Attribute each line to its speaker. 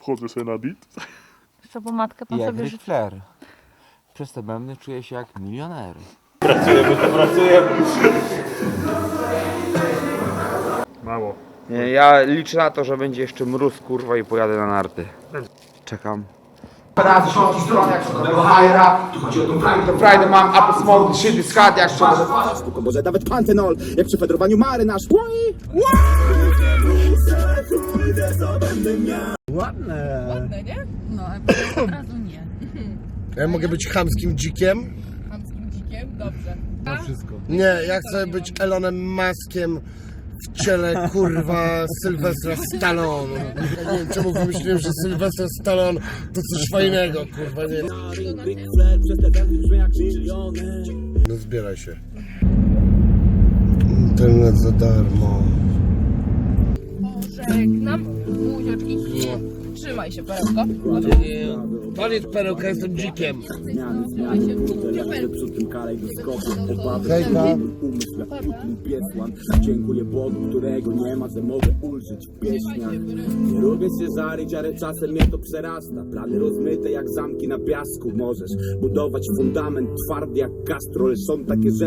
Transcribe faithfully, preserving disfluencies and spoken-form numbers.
Speaker 1: Wchodzę sobie na dit.
Speaker 2: Co pomadkę pan
Speaker 3: Jak
Speaker 2: sobie
Speaker 3: Ric
Speaker 2: życzy?
Speaker 3: Flair. Przez te bębny czuję się jak milioner.
Speaker 4: Pracujemy, to pracujemy.
Speaker 1: Mało.
Speaker 5: Nie, ja liczę na to, że będzie jeszcze mróz, kurwa, i pojadę na narty. Czekam. Razy środki stron, jak co do tego hajra. Tu chodzi o tą frajdę. To frajdę mam, apple smoke, shit is hot, jak co do...
Speaker 6: Spoko, może nawet pantenol, jak przy fedrowaniu marynarz.
Speaker 7: Ładne.
Speaker 2: Ładne, nie? No, od razu nie.
Speaker 7: Ja mogę być chamskim dzikiem?
Speaker 2: Chamskim dzikiem? Dobrze.
Speaker 7: Na wszystko. Nie, ja chcę być Elonem Muskiem w ciele, kurwa, Sylwestra Stallone. Ja nie wiem, czemu wymyśliłem, że Sylwester Stallone to coś fajnego, kurwa, nie. No zbieraj się. Internet za darmo.
Speaker 2: Żegnam. Buziaczki. Trzymaj się, perełko.
Speaker 7: Koniec perełka, jestem dzikiem.
Speaker 2: Trzymaj się.
Speaker 7: Hejka.
Speaker 6: Dziękuję Bogu, którego nie ma, że mogę ulżyć w pieśniach. Nie lubię się żarić, ale czasem mnie to przerasta. Plany rozmyte jak zamki na piasku. Możesz budować fundament twardy jak Castro, ale są takie rzeczy.